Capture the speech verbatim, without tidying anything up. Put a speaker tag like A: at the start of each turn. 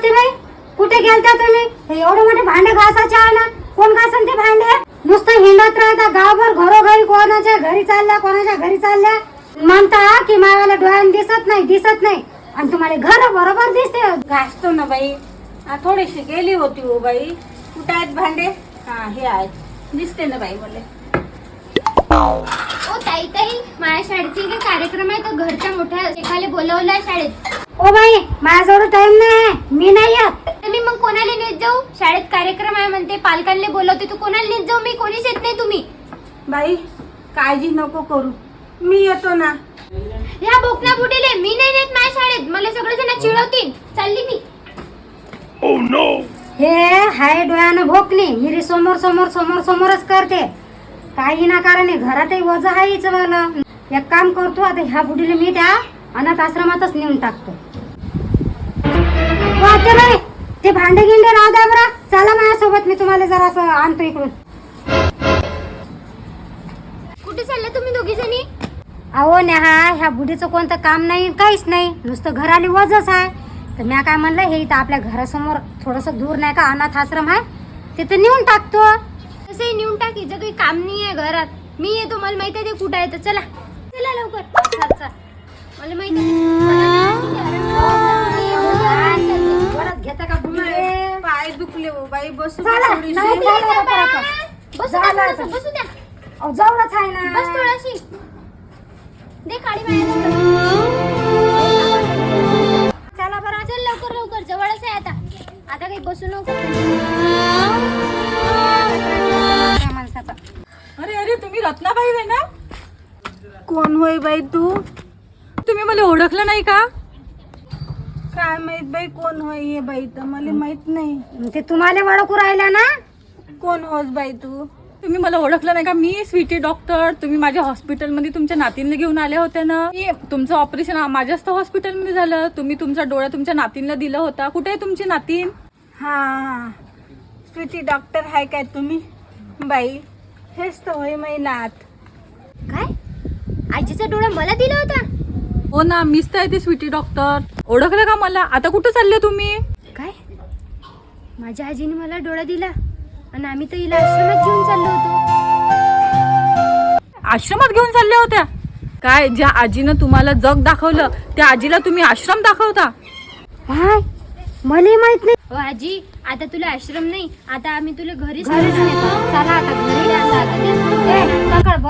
A: बाई, कुठे गेलता तुम्ही? हे एवढे मोठे भांडे घासाचे आहे ना, कोण घासन ते भांडे? नुसतं हिंडत राहता गावभर, घरोघरी कोणाच्या घरी चालल्या कोणाच्या घरी चालल्या, म्हणता की मावाला डोळ्याने दिसत नाही दिसत नाही, आणि तुम्हाला घर बरोबर दिसते.
B: घासतो ना बाई, हा थोडीशी गेली होती हो बाई. कुठे आहेत भांडे? हा हे आहेत, दिसते ना बाई मला.
C: ओ ताई ताई, माझ्या शाळेची काही कार्यक्रम आहे, तर घरच्या मोठ्या एकाला बोलवलंय शाळेत.
A: ओ बाई, माझ्याजवळ टाइम नाही, मी नाही येत.
C: तर मी मग कोणाला नेत जाऊ? शाळेत कार्यक्रम आहे म्हणते, पालकांना बोलवते, तू कोणाला नेत जाऊ? मी कोणीच येत नाही. तुम्ही
B: बाई काळजी नको करू, मी येतो ना.
C: ह्या बोकना बुडीले मी नाही नेत माझ्या शाळेत, मला सगळे जण चिडवतील. चालली मी.
A: हे हाय डोळ्यानं भोकली, हिरी समोर समोर समोर समोरच करते. काही ना कारण घरातही वज आहेच. मला एक काम करतो, आता ह्या बुडीला मी त्या अनाथ आश्रमातच नेऊन टाकतो. वाटते बाई, ते भांडे गिंडे राहू द्या बरं, चला माझ्यासोबत, मी तुम्हाला जरा असं आणतो इकडून.
C: कुठे चालले तुम्ही दोघी जणी?
A: अहो नेहा, ह्या बुडीचं कोणतं काम नाही, काहीच नाही, नुसतं घराली वजच आहे. तर मी काय म्हणलं, हे इथं आपल्या घरासमोर थोडंसं दूर नाही का अनाथ आश्रम आहे, तिथं नेऊन टाकतो.
C: तसंही नेऊन टाकी, जर काही काम नाही आहे घरात. मी येतो, मला माहिती आहे ते कुठं आहे. तर चला चला लवकर. चल चल, मला माहिती
A: घेता का बुडी?
B: पाय दुखले हो बाई, बसू
A: चला,
B: थोडीशी.
A: नाही, नाही, नाही, नाही, नाही.
C: बसू द्या, थोडंसं बसू द्या.
A: अहो, जवळच आहे ना.
C: बस थोडीशी दे काळी बाया.
A: चला बरं.
C: चल लवकर लवकर, जवळच आहे आता. आता काही बसू नको.
A: त्या माणसाचा.
D: अरे अरे, तुम्ही रत्नाबाई आहे ना?
B: कोण होय बाई तू?
D: तुम्ही मला ओळखलं नाही का?
B: काय माहित बाई कोण होय हे बाई, तर मला माहित नाही.
A: ते तुम्हाला ओळखू राहिला ना?
B: कोण होस बाई तू?
D: तुम्ही मला ओळखलं नाही का? मी स्वीटी डॉक्टर. तुम्ही माझ्या हॉस्पिटलमध्ये तुमच्या नातींना घेऊन आले होते ना. मी तुमचं ऑपरेशन माझ्याच तर हॉस्पिटलमध्ये झालं. तुम्ही तुमचा डोळा तुमच्या नातींना दिला होता. कुठे आहे तुमची नातीन?
B: हा हा, स्वीटी डॉक्टर आहे काय तुम्ही? बाई हेच तर होय मै नात.
C: काय आजीचा डोळा मला दिला होता?
D: हो ना, मीच तर आहे ते स्वीटी डॉक्टर. ओळखलं का मला? आता कुठं चालले तुम्ही?
C: काय माझ्या आजीने मला डोळा दिला, आणि आम्ही तर हिला आश्रमात घेऊन चाललो होतो.
D: आश्रमात घेऊन चालल्या होत्या? काय, ज्या आजीनं तुम्हाला जग दाखवलं त्या आजीला तुम्ही आश्रम दाखवता?
A: हाय, मला माहित नाही.
C: हो आजी, आता तुला आश्रम नाही, आता आम्ही तुला घरीच
A: घरीच नेतो. चला आता घरी.
C: नेतो.
A: ए, पकड.